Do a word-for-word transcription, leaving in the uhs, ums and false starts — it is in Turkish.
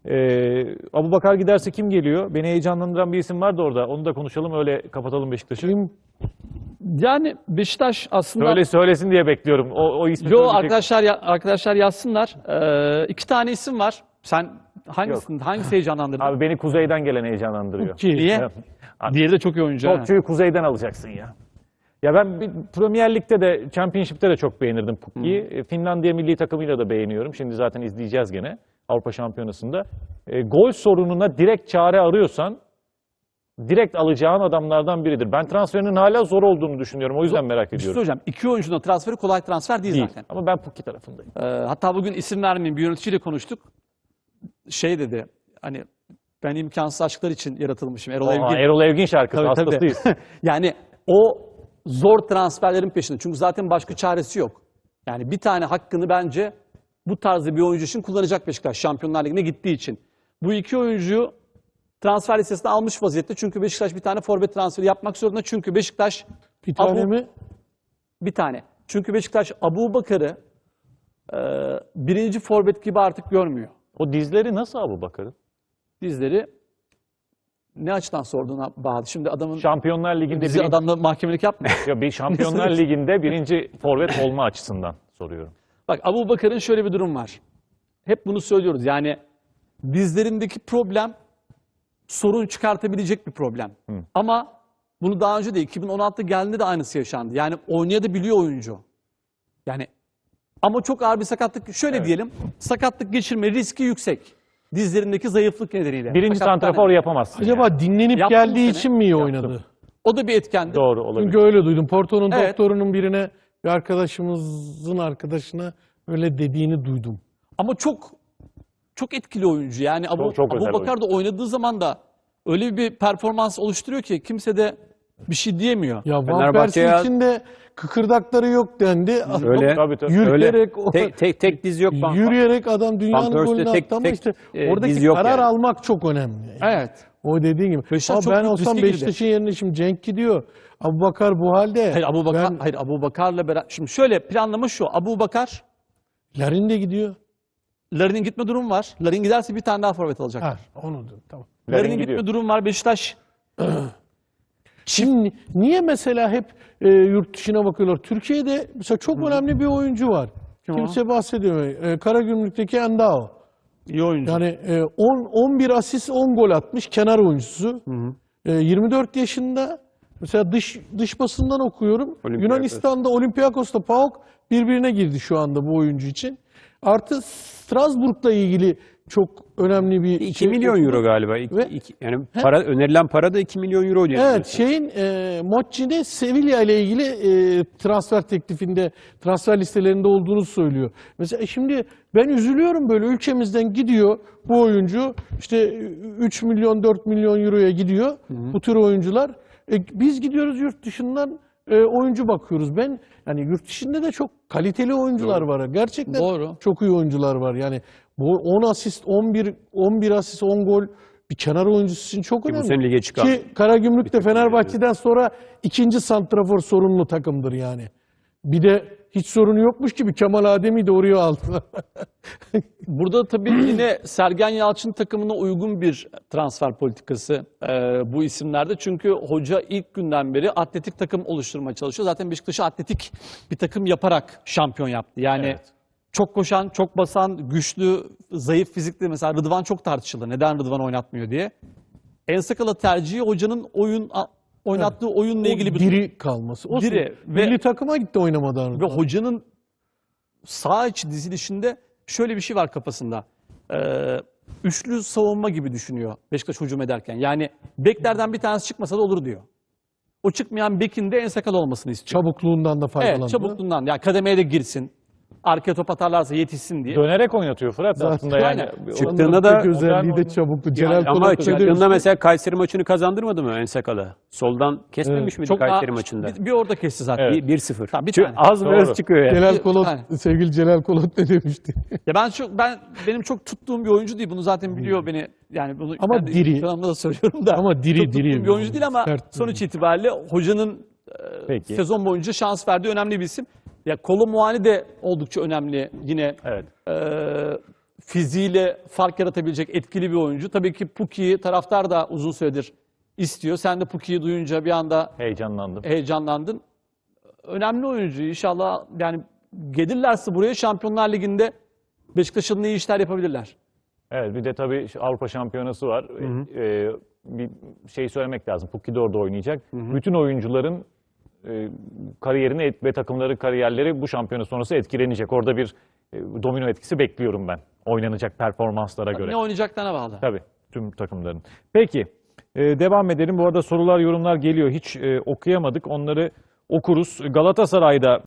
Ee, Abubakar giderse kim geliyor? Beni heyecanlandıran bir isim vardı orada. Onu da konuşalım, öyle kapatalım Beşiktaş'ı. Kim? Yani Beşiktaş aslında... Söyle söylesin diye bekliyorum. O, o ismi Yo söyleyecek. arkadaşlar ya- arkadaşlar yazsınlar. Ee, iki tane isim var. Sen hangisini hangisi heyecanlandırdı? Abi beni kuzeyden gelen heyecanlandırıyor. Ki? Niye? Abi, Diğeri de çok iyi oyuncu. ha. Topçuyu kuzeyden alacaksın ya. Ya ben bir Premier Lig'de de, Championship'te de çok beğenirdim Pukki'yi. E, Finlandiya milli takımıyla da beğeniyorum. Şimdi zaten izleyeceğiz gene Avrupa Şampiyonası'nda. E, gol sorununa direkt çare arıyorsan direkt alacağın adamlardan biridir. Ben transferinin hala zor olduğunu düşünüyorum. O yüzden merak Bir şey ediyorum. söyleyeceğim. İki oyuncunun transferi kolay transfer değil, Değil. zaten. Ama ben Pukki tarafındayım. Ee, hatta bugün isim vermeyeyim, bir yöneticiyle konuştuk. Şey dedi, hani ben imkansız aşklar için yaratılmışım. Erol Aa, Evgin. Erol Evgin şarkısı, Tabii, tabii. hastasıyız. Yani o zor transferlerin peşinde. Çünkü zaten başka çaresi yok. Yani bir tane hakkını bence bu tarzda bir oyuncu için kullanacak Beşiktaş, Şampiyonlar Ligi'ne gittiği için. Bu iki oyuncuyu transfer listesine almış vaziyette. Çünkü Beşiktaş bir tane forvet transferi yapmak zorunda. Çünkü Beşiktaş Bir tane Abu- mi? bir tane. Çünkü Beşiktaş Abubakar'ı e, birinci forvet gibi artık görmüyor. O dizleri nasıl Abubakar'ın? Dizleri ne açıdan sorduğuna bağlı. Şimdi adamın Şampiyonlar Ligi'nde bizi birinci, adamla mahkemelik yapma. ya bir Şampiyonlar Ligi'nde birinci forvet olma açısından soruyorum. Bak, Abubakar'ın şöyle bir durum var. Hep bunu söylüyoruz. Yani dizlerindeki problem sorun çıkartabilecek bir problem. Ama bunu daha önce de iki bin on altıda geldiğinde de aynısı yaşandı. Yani oynayabiliyor oyuncu. Yani ama çok ağır bir sakatlık. Şöyle diyelim, sakatlık geçirme riski yüksek. Dizlerindeki zayıflık nedeniyle. Birinci Sakatlık santrafor nedeniyle. yapamazsın. Acaba yani. dinlenip Yaptım bu geldiği sene. için mi iyi oynadı? O da bir etkendi. Doğru olabilir. Çünkü öyle duydum. Porto'nun Evet. doktorunun birine, bir arkadaşımızın arkadaşına öyle dediğini duydum. Ama çok çok etkili oyuncu. Yani Abu, Çok- çok özel Abubakar da oynadığı zaman da öyle bir performans oluşturuyor ki kimse de bir şey diyemiyor. Ya Van Fenerbahçe'ye- Persie'nin içinde kıkırdakları yok dendi. Öyle. Tabii tabii. Yürüyerek, o- Tek, tek, tek diz yok. Van- yürüyerek adam dünyanın Van Persie'de golünü tek- attı ama tek, işte e, oradaki diz yok karar yani. almak çok önemli. Evet. O dediğin gibi. Beşiktaş Ama çok ben büyük olsam riske girdi. Beşiktaş'ın yerine şimdi Cenk gidiyor. Abubakar bu halde. Hayır Abubakar, Ben, hayır Abubakar'la beraber. Şimdi şöyle planlama şu. Abubakar, Larin de gidiyor. Larin'in gitme durumu var. Larin giderse bir tane daha forvet alacaklar. Ha, onu da tamam. Larin Larin'in gidiyor. gitme durumu var. Beşiktaş Şimdi niye mesela hep e, yurt dışına bakıyorlar? Türkiye'de mesela çok önemli bir oyuncu var. Kim o? Kimse bahsediyor. E, Karagümrük'teki Endao. iyi oyuncu. Yani e, on, on bir asist, on gol atmış kenar oyuncusu. E, yirmi dört yaşında. Mesela dış dış basından okuyorum. Olympiakos. Yunanistan'da Olympiakos'ta PAOK birbirine girdi şu anda bu oyuncu için. Artı Strasbourg'la ilgili çok önemli bir iki şey milyon okudum. euro galiba. İki- Ve- iki- yani para, önerilen para da iki milyon euro diye. Evet, şeyin e, Mocci'de Sevilla ile ilgili e, transfer teklifinde, transfer listelerinde olduğunu söylüyor. Mesela e, şimdi ben üzülüyorum, böyle ülkemizden gidiyor bu oyuncu, işte üç milyon dört milyon euroya gidiyor bu tür oyuncular. E, biz gidiyoruz yurt dışından e, oyuncu bakıyoruz. Ben yani yurt dışında da çok kaliteli oyuncular var. Gerçekten Doğru. çok iyi oyuncular var. Yani bu on asist, on bir on bir asist, on gol bir kenar oyuncusu için çok bu önemli. sene lige çıkan. Ki Karagümrük de Fenerbahçe'den sonra ikinci santrafor sorunlu takımdır yani. Bir de hiç sorunu yokmuş gibi Kemal Adem'i de oraya aldılar. Burada tabii yine Sergen Yalçın takımına uygun bir transfer politikası e, bu isimlerde. Çünkü hoca ilk günden beri atletik takım oluşturmaya çalışıyor. Zaten Beşiktaş'ı atletik bir takım yaparak şampiyon yaptı. Yani Evet. çok koşan, çok basan, güçlü, zayıf fizikli. Mesela Rıdvan çok tartışıldı. Neden Rıdvan oynatmıyor diye. Ensakala tercihi hocanın oyun a- oynattığı oyunla ilgili bir diri kalması. O Diri ve- milli takıma gitti oynamadan. ve hocanın sağ içi dizilişinde şöyle bir şey var kafasında. Ee, üçlü savunma gibi düşünüyor Beşiktaş hücum ederken. Yani beklerden bir tanesi çıkmasa da olur diyor. O çıkmayan bekin de Ensakal olmasını istiyor. Çabukluğundan da faydalandı. Evet, çabukluğundan. Yani kademeye de girsin. Arkaya top atarlarsa yetişsin diye. Dönerek oynatıyor Fırat aslında yani. Aynen. Çıktığında da tek özelliği de modern çabuklu. Celal Yani ama Polat da çıktığında demişti. mesela Kayseri maçını kazandırmadı mı Ensakal'a? Soldan kesmemiş miydi Çok Kayseri daha- maçında? Bir, bir orada kesti zaten. Evet. Bir- bir sıfır. Tamam, bir Çünkü tane. az biraz Doğru. çıkıyor yani. Celal Bir- Kolot, yani. sevgili Celal Kolot ne demişti? Ya ben çok ben benim çok tuttuğum bir oyuncu değil. Bunu zaten biliyor beni. Yani bunu Ama kendi diri. kanalımda da söylüyorum da. Ama diri, çok tuttuğum diri bir oyuncu değil ama sert bir sonuç itibariyle hocanın Peki. sezon boyunca şans verdiği önemli bir isim. Ya Kolo Muani de oldukça önemli yine. Evet. Ee, fiziğiyle fark yaratabilecek etkili bir oyuncu. Tabii ki Pukki'yi taraftar da uzun süredir istiyor. Sen de Pukki'yi duyunca bir anda Heyecanlandım. heyecanlandın. Önemli oyuncu. İnşallah yani gelirlerse buraya Şampiyonlar Ligi'nde Beşiktaş'ın iyi işler yapabilirler. Evet, bir de tabii Avrupa Şampiyonası var. Ee, bir şey söylemek lazım. Pukki de orada oynayacak. Bütün oyuncuların e, kariyerini et- ve takımları kariyerleri bu şampiyona sonrası etkilenecek. Orada bir e, domino etkisi bekliyorum ben. Oynanacak performanslara göre. Ne oynayacaklarına bağlı. Tabii, tüm takımların. Peki, e, devam edelim. Bu arada sorular, yorumlar geliyor. Hiç e, okuyamadık. Onları okuruz. Galatasaray'da